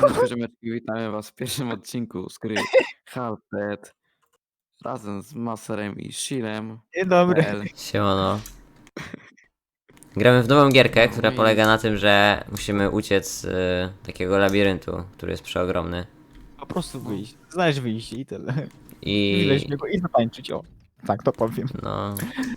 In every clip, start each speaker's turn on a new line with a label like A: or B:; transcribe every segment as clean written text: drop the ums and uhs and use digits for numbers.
A: Siemaneczko, ziomeczki, witamy was w pierwszym odcinku z gry Halted razem z Maserem i Shilem.
B: Dzień dobry.
C: Siemano. Gramy w nową gierkę,
A: No
C: która
A: i-
C: polega na tym, że musimy uciec z takiego labiryntu, który jest przeogromny.
B: Po prostu wyjść. Znaleźć wyjście i tyle.
C: I
B: Wleźć w niego i zatańczyć, o. Tak to powiem.
C: no.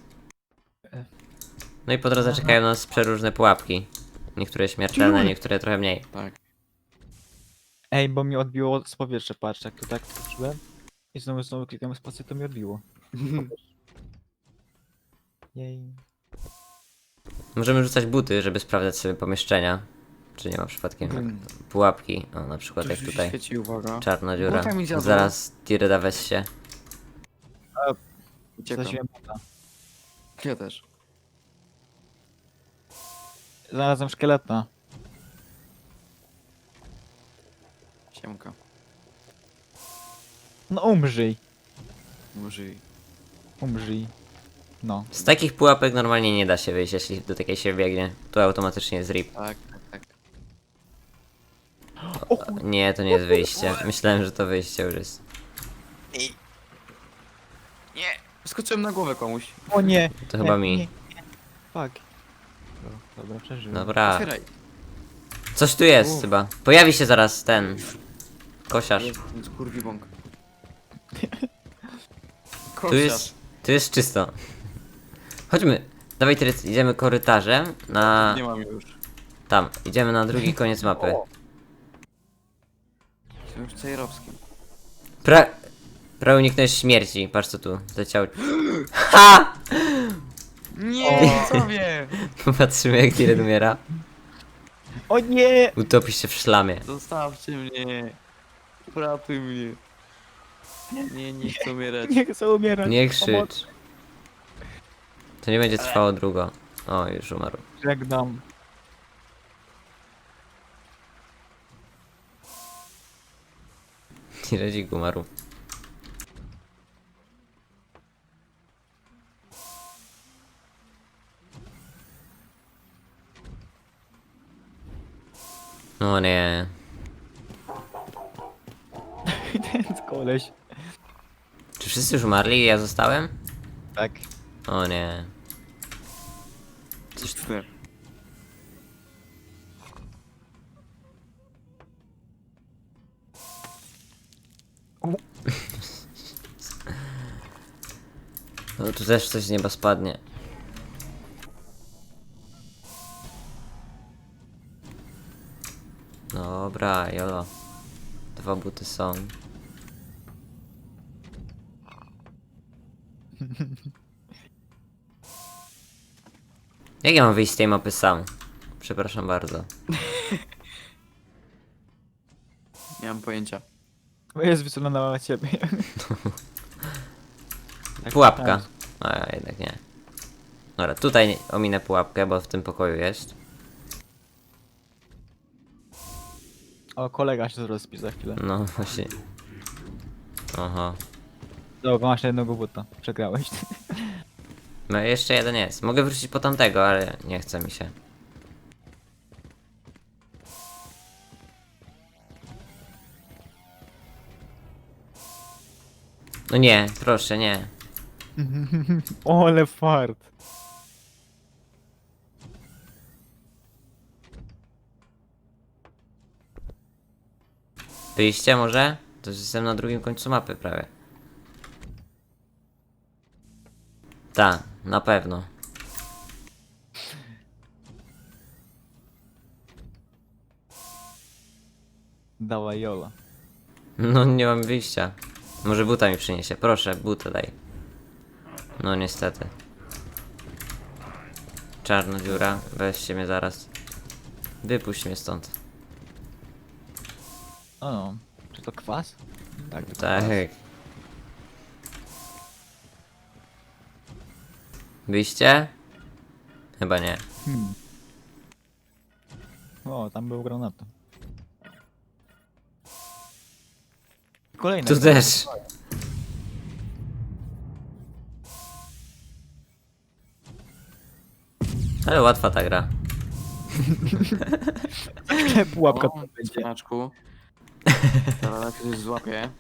C: No i po drodze czekają nas przeróżne pułapki. Niektóre śmiertelne, niektóre trochę mniej.
A: Tak.
B: Ej, bo mi odbiło z powietrza, patrz, jak to tak skoczyłem. I znowu klikam spację, to mi odbiło. Jej.
C: Możemy rzucać buty, żeby sprawdzać sobie pomieszczenia. Czy nie ma przypadkiem pułapki. O, na przykład
A: Tu
C: jak
A: się
C: tutaj.
A: świeci, uwaga.
C: Czarna dziura.
A: Buta mi zjadła.
C: Zaraz Tireda weź się.
A: Uciekam.
B: Zaś buta.
A: Ja też.
B: Znalazłem szkieleta.
A: Siemka.
B: No umrzyj.
A: Może i...
B: Umrzyj. No.
C: Z takich pułapek normalnie nie da się wyjść, jeśli do takiej się biegnie. Tu automatycznie jest rip.
A: Tak, tak, tak.
B: O kur...
C: Nie, to nie jest wyjście. Myślałem, że to wyjście już jest.
A: Nie! Skoczyłem na głowę komuś.
B: O nie!
C: To
B: nie,
C: chyba mi.
B: Nie. Fuck. Dobra, przeżyłem.
C: Dobra.
A: Otwieraj.
C: Coś tu jest chyba. Pojawi się zaraz ten kosiarz.
A: Jest kurwi bąk.
C: Tu jest czysto. Chodźmy. Dawaj teraz idziemy korytarzem na...
A: Nie mam już.
C: Tam. Idziemy na drugi koniec mapy.
A: Jestem już cejrowskim.
C: Prawie uniknąłeś śmierci. Patrz co tu. Leciał. Ha!
A: Nie, sobie!
C: Patrzymy jak Tired umiera.
B: O nie!
C: Utopi się w szlamie.
A: Zostawcie mnie. Uratuj mnie. Nie chcę umierać.
B: Nie chcę umierać.
C: Nie
B: Pomoc.
C: krzycz. To nie będzie trwało długo. O, już umarł.
B: Żegnam.
C: Tiredzik umarł. O nie.
B: Ten koleś.
C: Czy wszyscy już umarli i ja zostałem?
B: Tak.
C: O nie.
A: Coś tu.
C: No tu też coś z nieba spadnie. Dobra, jolo. 2 buty są. Jak ja mam wyjść z tej mapy sam? Przepraszam bardzo.
A: Nie mam pojęcia.
B: Bo jest wysunęła na ciebie.
C: Pułapka. A jednak nie. Dobra, tutaj ominę pułapkę, bo w tym pokoju jest.
B: O, kolega się rozpi za chwilę.
C: No właśnie. Aha.
B: Dobra, masz jednego buta. Przegrałeś.
C: No jeszcze jeden jest. Mogę wrócić po tamtego, ale nie chce mi się. No nie, proszę, nie.
B: O, ale fart.
C: Wyjście może? To jestem na drugim końcu mapy prawie. Tak, na pewno.
B: Dawaj, Jola.
C: No nie mam wyjścia. Może buta mi przyniesie. Proszę, butę daj. No niestety. Czarna dziura, weźcie mnie zaraz. Wypuść mnie stąd.
B: O, no. Czy to kwas? Tak, to
C: Tak.
B: kwas.
C: Wyjście? Chyba nie.
B: O, tam był granat. Kolejny.
C: Tu też. Ale łatwa ta gra.
B: Pułapka
A: O,
B: tu będzie.
A: cwaniaczku. Zaraz jak ktoś złapie.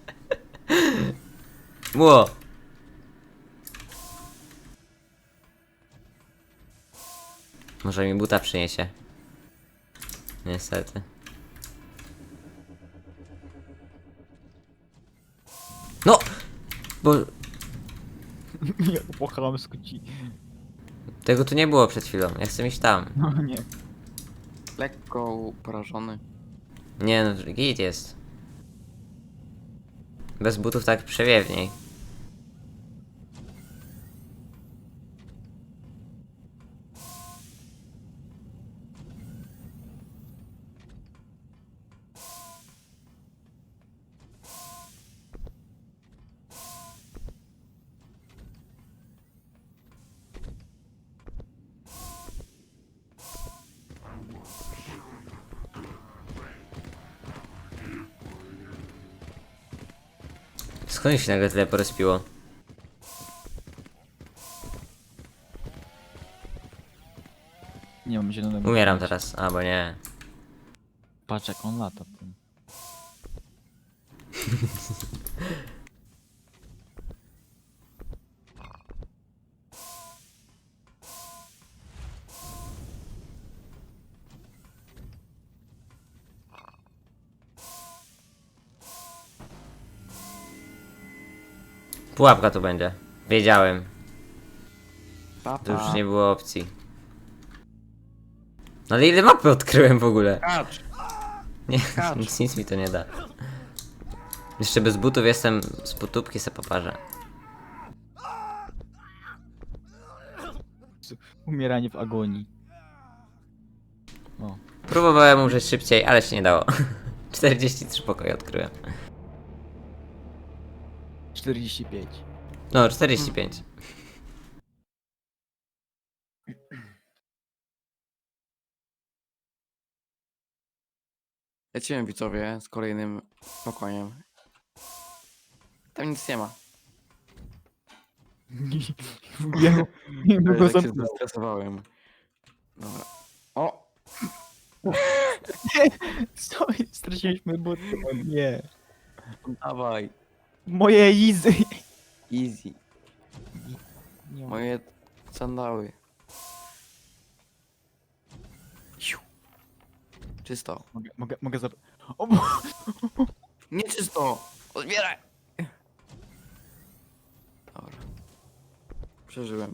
C: Ło! Może mi buta przyniesie. Niestety. No! Bo
B: Ja po chamsku ci.
C: tego tu nie było przed chwilą. Ja chcę iść tam.
B: No nie.
A: Lekko porażony.
C: Nie no, git jest. Bez butów tak przewiewniej. Skąd się nagle tyle porozpiło?
B: Nie mam zielonego.
C: Umieram teraz, albo nie.
B: Patrz jak on lata. Tym.
C: Pułapka tu będzie. Wiedziałem.
A: Papa.
C: To już nie było opcji. No ale ile mapy odkryłem w ogóle?
A: Kacz!
C: Nie,
A: Kacz.
C: nic mi to nie da. Jeszcze bez butów jestem z potupki se poparzę.
B: Umieranie w agonii. O.
C: Próbowałem umrzeć szybciej, ale się nie dało. 43 pokoje odkryłem.
B: 45.
C: No, 45.
A: Lecimy widzowie z kolejnym pokojem. Tam nic nie ma.
B: Nie
A: Ale
B: go
A: tak się
B: zamknął.
A: zestresowałem. Dobra. O!
B: Co? Straciliśmy buty. O nie.
A: Dawaj.
B: Moje easy.
A: Easy.
B: Nie ma.
A: Moje sandały. Siu. Czysto.
B: Mogę zap... O, bo...
A: Nieczysto! Odbieraj! Dobra. Przeżyłem.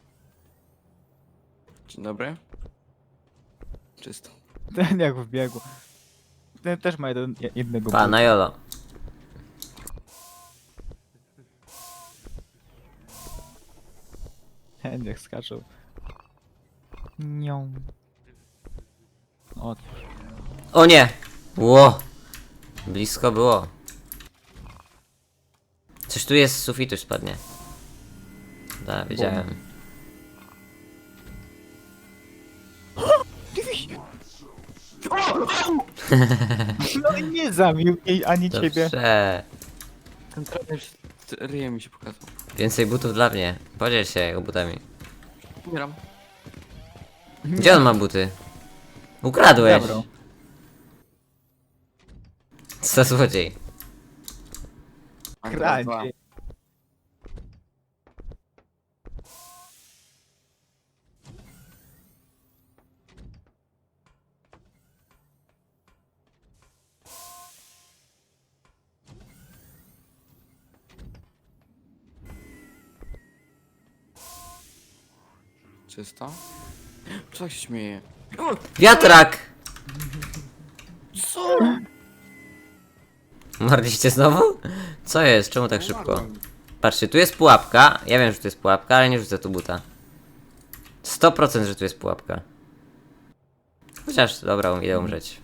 A: Dzień dobry. Czysto.
B: Ten jak wbiegł. Ten też ma jednego
C: Pa, na jolo.
B: Ten jak skaczał. Nią. O,
C: O nie! Ło! Blisko było. Coś tu jest z sufitu spadnie. Da, wiedziałem.
B: no i nie zabił jej ani ciebie.
C: Dobrze.
A: Ten trener ryje mi się pokazał.
C: Więcej butów dla mnie. Podziel się jego butami.
A: Umieram.
C: Gdzie on ma buty? Ukradłeś!
B: Zabrał.
C: Co za złodziej.
A: A teraz dwa.
B: Kradzie.
A: Czysto. Co tak się śmieje?
C: Wiatrak!
A: Co?
C: Marliście znowu? Co jest? Czemu tak szybko? Patrzcie, tu jest pułapka. Ja wiem, że tu jest pułapka, ale nie rzucę tu buta. 100% że tu jest pułapka. Chociaż, dobra, idę umrzeć.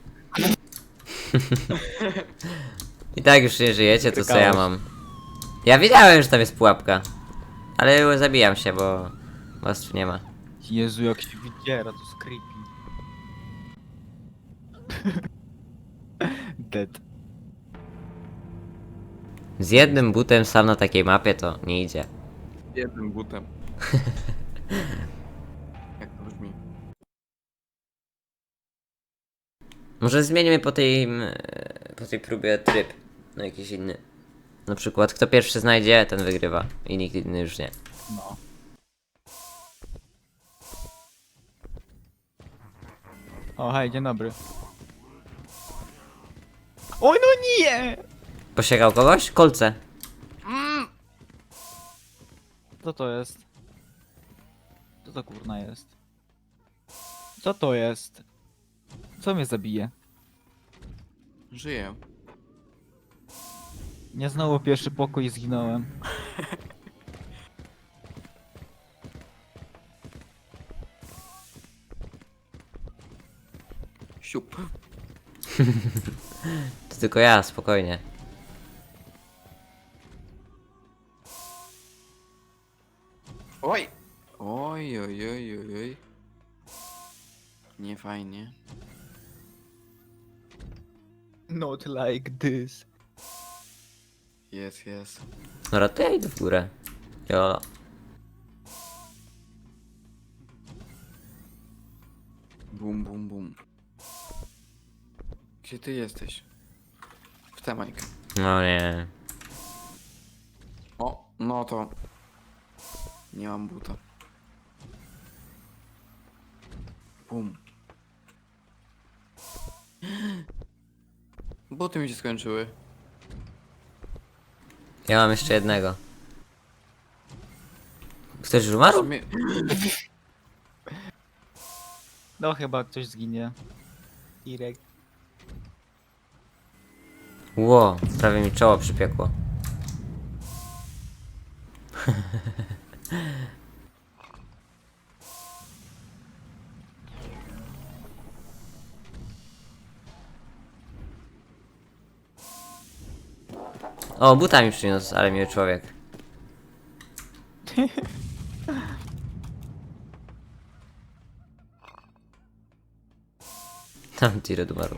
C: I tak już nie żyjecie, to co ja mam? Ja wiedziałem, że tam jest pułapka. Ale zabijam się, bo was tu nie ma.
B: Jezu, jak się wydziera, to jest creepy. Dead.
C: Z jednym butem sam na takiej mapie to nie idzie.
A: Jednym butem. Jak to brzmi?
C: Może zmienimy po tej po tej próbie tryb. No jakiś inny. Na przykład kto pierwszy znajdzie, ten wygrywa. I nikt inny już nie.
B: No. O, hej, dzień dobry. Oj, no nie!
C: Posiekał kogoś? Kolce.
B: Co to jest? Co to kurna jest? Co to jest? Co mnie zabije?
A: Żyję.
B: Nie znowu pierwszy pokój i zginąłem.
A: Siup.
C: To tylko ja, spokojnie.
A: Oj! Oj, oj, oj, oj, oj. Nie fajnie.
B: Not like this.
A: Jest.
C: Dobra, to ja idę w górę. Jo.
A: Bum, bum, bum. Gdzie ty jesteś? W tę Majkę.
C: No nie.
A: O, no to... Nie mam buta. Bum. Buty mi się skończyły.
C: Ja mam jeszcze jednego. Ktoś już umarł?
A: Mnie-
B: No chyba ktoś zginie. Irek.
C: Ło, prawie mi czoło przypiekło. O, buta mi przyniósł, ale miły człowiek. Tam Tired umarł.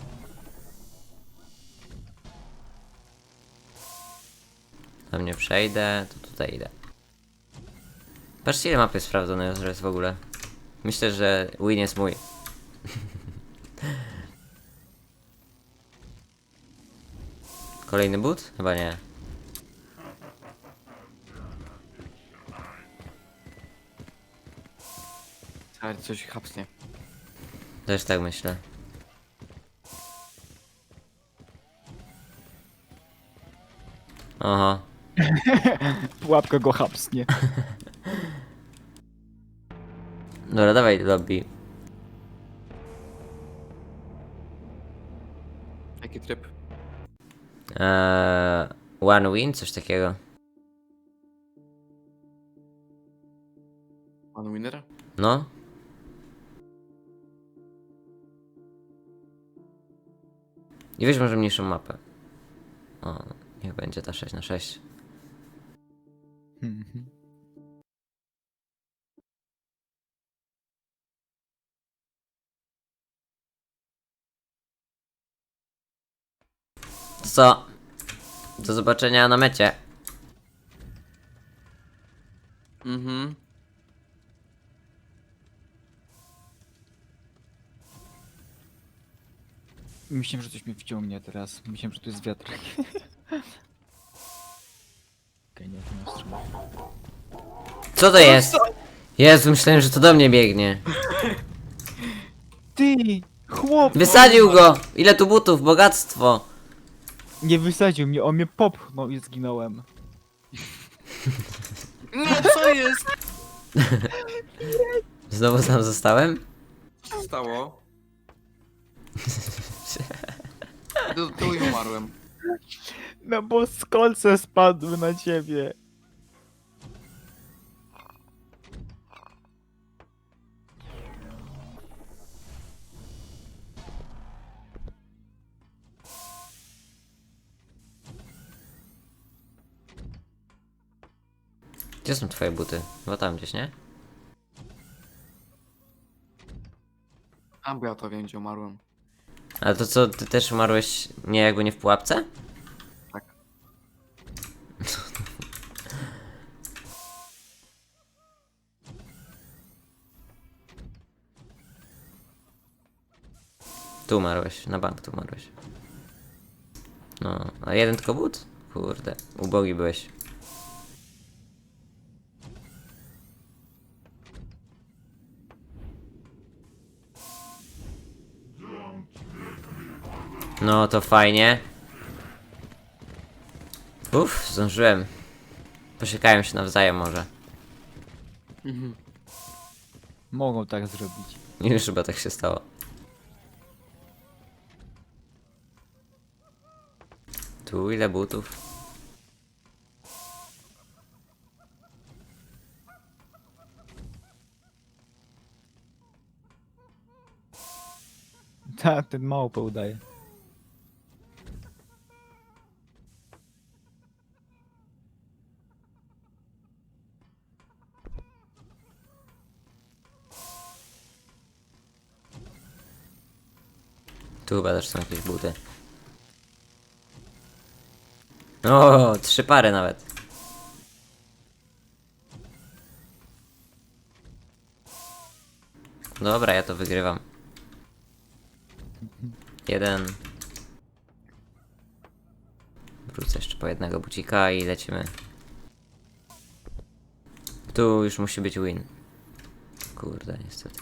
C: Tam nie przejdę, to tutaj idę. Patrzcie ile mapy sprawdzone jest w ogóle. Myślę, że win jest mój. Kolejny but? Chyba nie.
A: Ale coś chapsnie.
C: Też tak myślę. Oho.
B: Pułapka go hapsnie.
C: Dobra, dawaj do lobby.
A: Jaki tryb?
C: One win? Coś takiego.
A: Pan winner?
C: No. I weź może mniejszą mapę. O, niech będzie ta 6×6. To co? Do zobaczenia na mecie.
A: Mhm.
B: Myślałem, że coś mnie wciągnie teraz. Myślałem, że to jest wiatr. Okej, nie, to nie ostrzymam.
C: Co to jest? Jezu, myślałem, że to do mnie biegnie.
B: Ty! Chłop!
C: Wysadził go! Ile tu butów? Bogactwo!
B: Nie wysadził mnie, on mnie popchnął i zginąłem.
A: No co jest?
C: Znowu sam zostałem?
A: Co się stało? Tu i umarłem.
B: No bo skolce spadły na ciebie.
C: Gdzie są twoje buty? Bo tam gdzieś, nie?
A: A bo ja to wiem, gdzie umarłem.
C: Ale to co, ty też umarłeś nie jakby nie w pułapce?
A: Tak.
C: Tu umarłeś, na bank tu umarłeś. No, a jeden tylko but? Kurde, ubogi byłeś. No to fajnie. Uff, zdążyłem. Poczekają się nawzajem może.
B: Mogą tak zrobić.
C: Już chyba tak się stało. Tu ile butów?
B: Tak, ten małpę udaje.
C: Tu chyba też są jakieś buty. O, 3 pary nawet. Dobra, ja to wygrywam. Jeden. Wrócę jeszcze po jednego bucika i lecimy. Tu już musi być win. Kurde, niestety.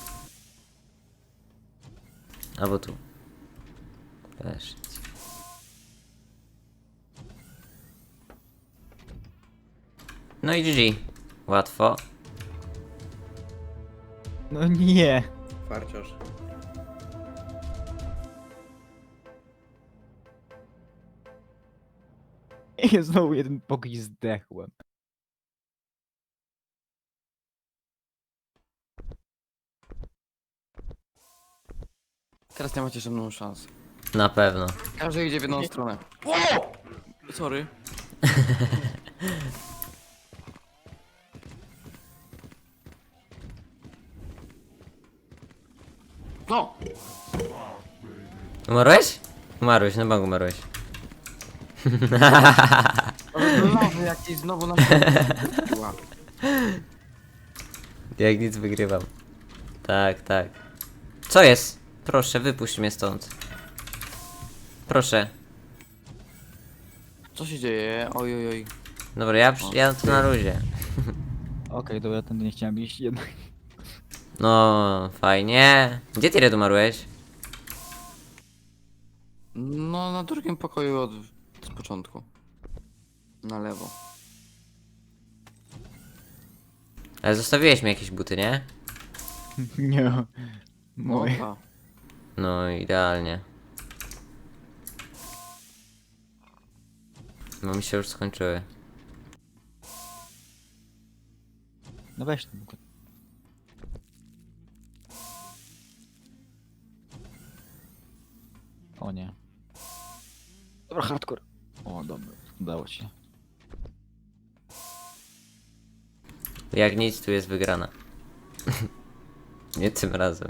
C: Albo tu. Też nic. No i GG. Łatwo.
B: No nie.
D: Farciarz.
B: I znowu jeden pokój zdechłem.
A: Teraz nie macie żadną szansę.
C: Na pewno.
A: Każdy idzie w jedną stronę. Sorry. No!
C: Umarłeś? Umarłeś, na bank umarłeś.
A: Nowy jakiś znowu nam...
C: Jak nic wygrywam. Tak, tak. Co jest? Proszę, wypuść mnie stąd. Proszę.
A: Co się dzieje? Oj, oj, oj.
C: Dobra, ja to na luzie.
B: Okej, dobra, tędy nie chciałem iść jednak.
C: No, fajnie. Gdzie ty umarłeś?
A: No, na drugim pokoju z początku. Na lewo.
C: Ale zostawiłeś mi jakieś buty, nie?
B: Nie.
A: No,
B: Moje.
A: ta.
C: No, idealnie. Bo mi się już skończyły.
B: No weź ten. O nie. Dobra, hardcore. O, dobra, udało się.
C: Jak nic, tu jest wygrana. Nie tym razem.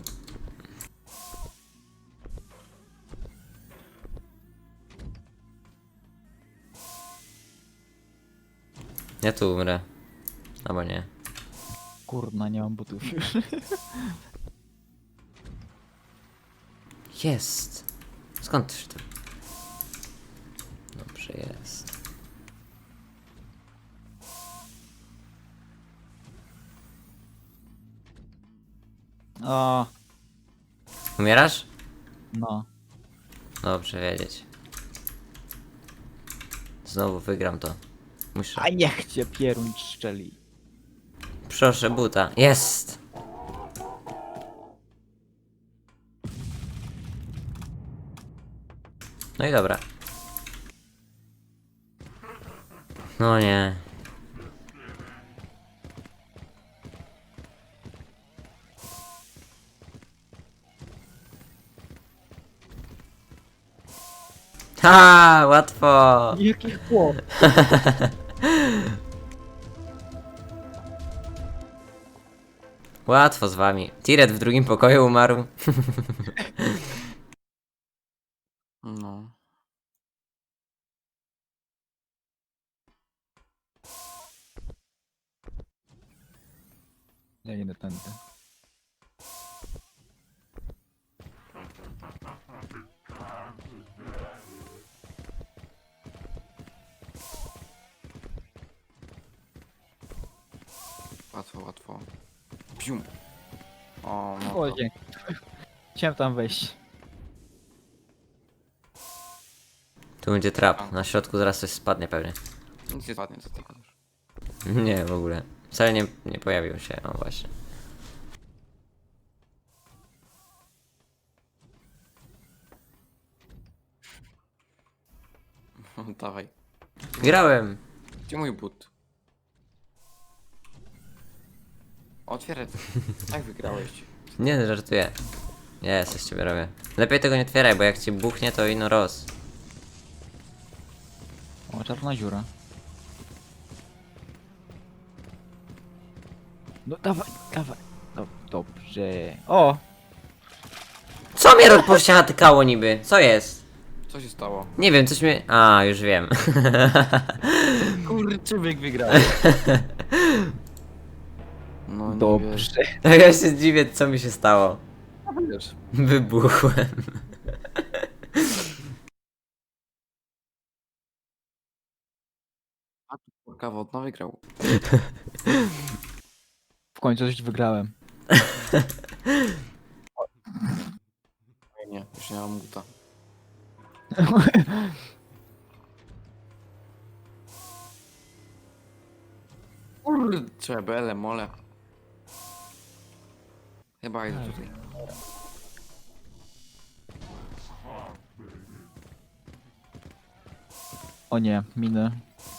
C: Ja tu umrę. Albo nie.
B: Kurna, nie mam butów już.
C: Jest. Skąd też to? Dobrze jest.
B: O,
C: Umierasz?
B: no.
C: Dobrze wiedzieć. Znowu wygram to. Muszę.
B: A niech cię pieruń szczeli.
C: Proszę buta. Jest! No i dobra. No nie. Ha, łatwo.
B: Jaki chłop.
C: Łatwo z wami. Tiret w drugim pokoju umarł.
A: No.
B: Ja idę tędy.
A: Łatwo, łatwo. Pium. O, no
B: O,
A: to...
B: dzięki. Chciałem tam wejść.
C: Tu będzie trap. Na środku zaraz coś spadnie pewnie.
A: Nic nie spadnie, co ty gadasz.
C: Nie, w ogóle. Wcale nie pojawił się. O, właśnie.
A: Dawaj.
C: Grałem.
A: Gdzie mój but? Otwieraj. Jak wygrałeś?
C: Nie, żartuję. Nie, coś ciebie robię. Lepiej tego nie otwieraj, bo jak ci buchnie, to ino roz.
B: O, czarna dziura. No dawaj, dawaj. No, dobrze. O!
C: Co mnie rozpościatykało niby? Co jest?
A: Co się stało?
C: Nie wiem, coś mnie... A, już wiem.
A: Kurczybyk wygrał. No nie
B: Dobrze.
C: Tak ja się dziwię, co mi się stało.
A: wiesz.
C: Wybuchłem.
A: A tu kurka wodna wygrał.
B: W końcu coś wygrałem.
A: Nie, już nie mam buta. Kurczę, bele, mole. Chyba idę tutaj.
B: O nie, miny.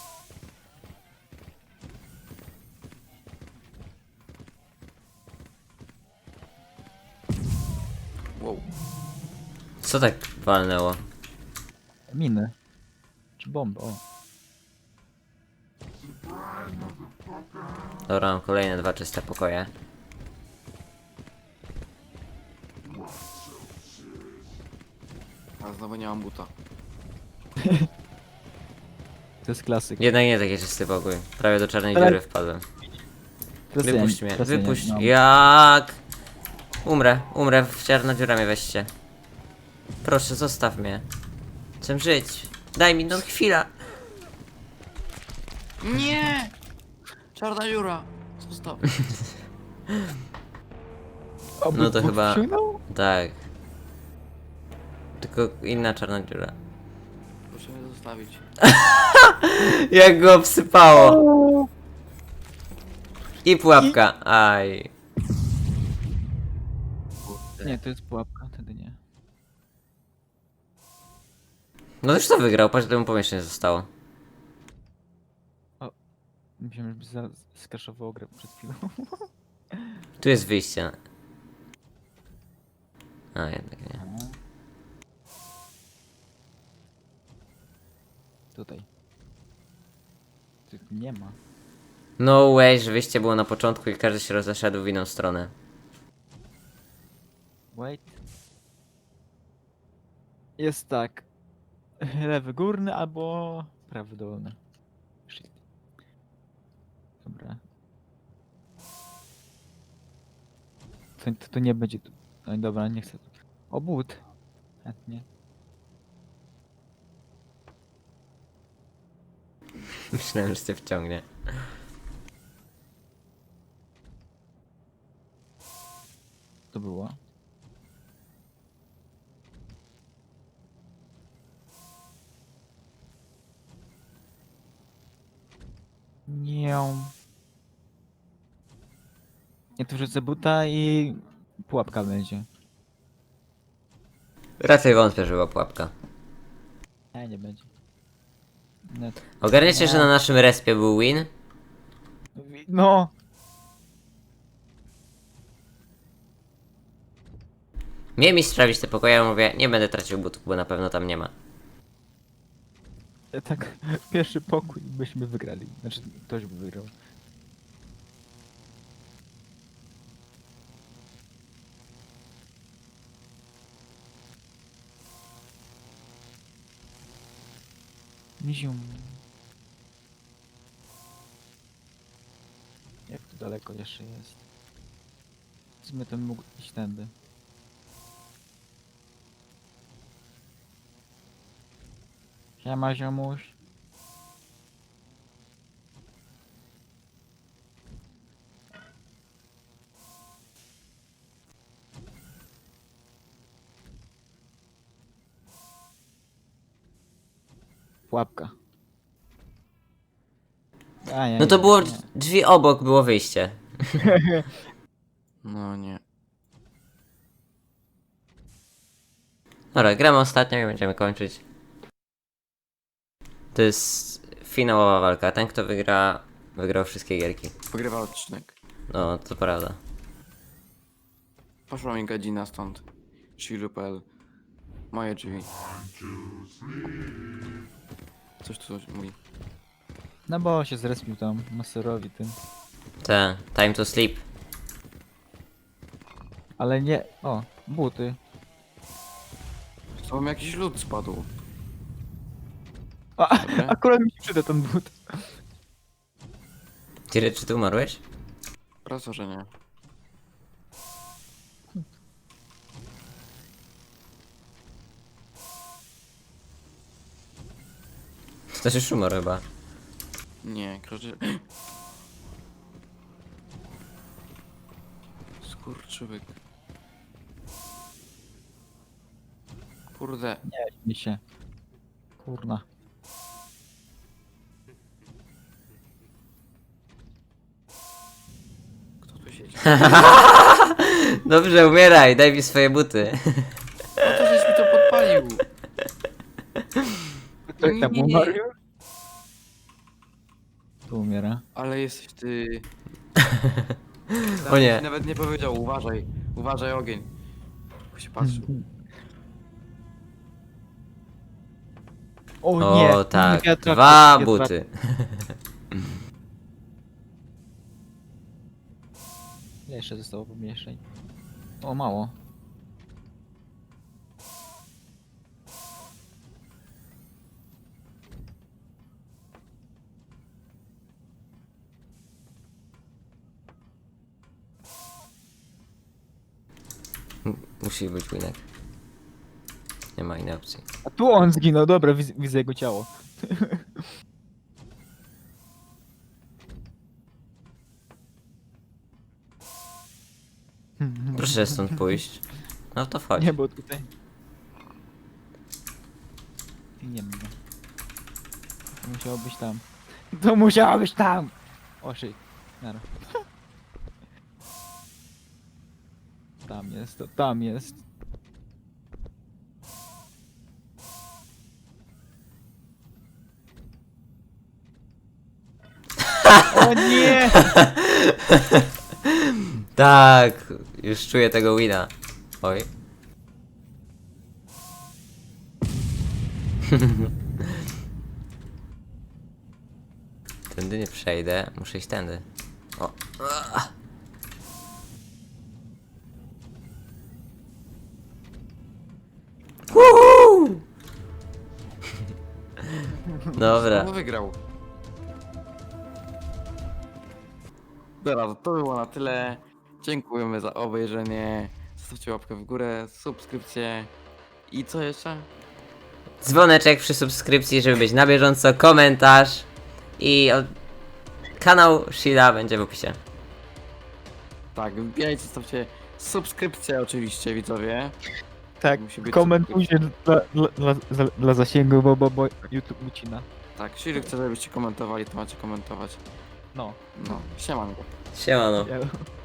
A: Wow.
C: Co tak walnęło?
B: Miny. Czy bomby, o.
C: Dobra, mam kolejne 2 czyste pokoje.
A: A znowu nie mam buta.
B: To jest klasyk.
C: Jednak nie taki czysty pokój. Prawie do czarnej
B: Ale-
C: dziury wpadłem.
B: Klasyk,
C: Wypuść mnie,
B: klasyk,
C: wypuść.
B: no.
C: Jak? Umrę, w czarna dziura mnie weźcie. Proszę, zostaw mnie. Chcę żyć. Daj mi no chwila.
A: Nie! Czarna dziura! Zostaw.
B: O,
C: No to
B: Bóg
C: chyba-
B: wciągnął?
C: Tak. Tylko inna czarna dziura.
A: Proszę mnie zostawić.
C: Jak go obsypało. I pułapka. Aj.
B: Nie, to jest pułapka, wtedy nie.
C: No już to wygrał, patrz, ile mu pomieszczenie zostało.
B: Myślałem, żeby zaraz skaszował grę przed chwilą.
C: Tu jest wyjście. A, jednak nie.
B: Tutaj. Tu nie ma.
C: No way, że wyjście było na początku i każdy się rozeszedł w inną stronę.
B: Wait. Jest tak. Lewy górny albo prawy dolny. Shit. Dobra. To nie będzie tu. No dobra, nie chcę. O, but. Chętnie.
C: Myślałem, że cię wciągnie.
B: To było. Nie. Ja tu wrzucę buta i pułapka będzie.
C: Raczej wątpię, że była pułapka.
B: Nie będzie. No,
C: Ogarniecie, że na naszym respie był win?
B: no.
C: Miałem mi sprawdzić te pokoje, ja mówię, nie będę tracił butów, bo na pewno tam nie ma.
B: Tak, pierwszy pokój byśmy wygrali. Znaczy, ktoś by wygrał. Zium. Jak tu daleko jeszcze jest? W sumie to mógł iść tędy. Siema, ziomuś. Pułapka. A, nie,
C: No to
B: nie,
C: było
B: nie.
C: drzwi obok, było wyjście.
A: No nie.
C: Dobra, gramy ostatnią i będziemy kończyć. To jest finałowa walka. Ten, kto wygra, wygrał wszystkie gierki.
A: Pogrywa odcinek.
C: No, to prawda.
A: Poszła mi godzina stąd. Shiru.pl. Moje drzwi. Coś tu mówi.
B: No bo się zrespił tam, maserowi tym.
C: Te, time to sleep.
B: Ale nie... O, buty.
A: Co mi jakiś lód spadł.
B: A,
A: Dobra.
B: akurat mi się przyda ten but.
C: Tiry, czy ty umarłeś?
A: Proszę, że nie.
C: To też już umarł chyba.
A: Nie, kroczy... Skurczybyk. Kurde.
B: Nie, mi się. Kurna.
A: Kto tu siedzi?
C: Dobrze, umieraj, daj mi swoje buty.
A: No to żeś mi to podpalił.
B: Ktoś tam
A: Nie.
B: umarł już? Tu umiera.
A: Ale jesteś ty...
C: O nie.
A: Nawet nie powiedział, uważaj. Uważaj ogień. Bo się patrzył.
B: O nie!
C: O tak,
B: wiatrak,
C: dwa
B: wiatrak.
C: buty.
B: Ile jeszcze zostało pomieszczeń? O, mało.
C: Musi być winek. Nie ma innej opcji.
B: A tu on zginął, dobra, widzę jego ciało.
C: Proszę stąd pójść. No to wchodź.
B: Nie, bo tutaj... Nie wiem. To musiało być tam. To musiało być tam! O shit. Nara. Tam jest, to tam jest. O nie!
C: Tak, już czuję tego wina. Oj. Tędy nie przejdę, muszę iść tędy. O. Woohoo! Dobra.
A: Kto wygrał? Dobra, to było na tyle. Dziękujemy za obejrzenie. Zostawcie łapkę w górę, subskrypcję. I co jeszcze?
C: Dzwoneczek przy subskrypcji, żeby być na bieżąco, komentarz i kanał Shida będzie w opisie.
A: Tak, wbijajcie, zostawcie subskrypcję oczywiście, widzowie.
B: Tak,
A: Musi być
B: komentujcie dla zasięgu, bo YouTube ucina.
A: Tak, jeśli chcę, żebyście komentowali, to macie komentować.
B: No.
A: No, siemanko.
C: Siemano.
B: Ja...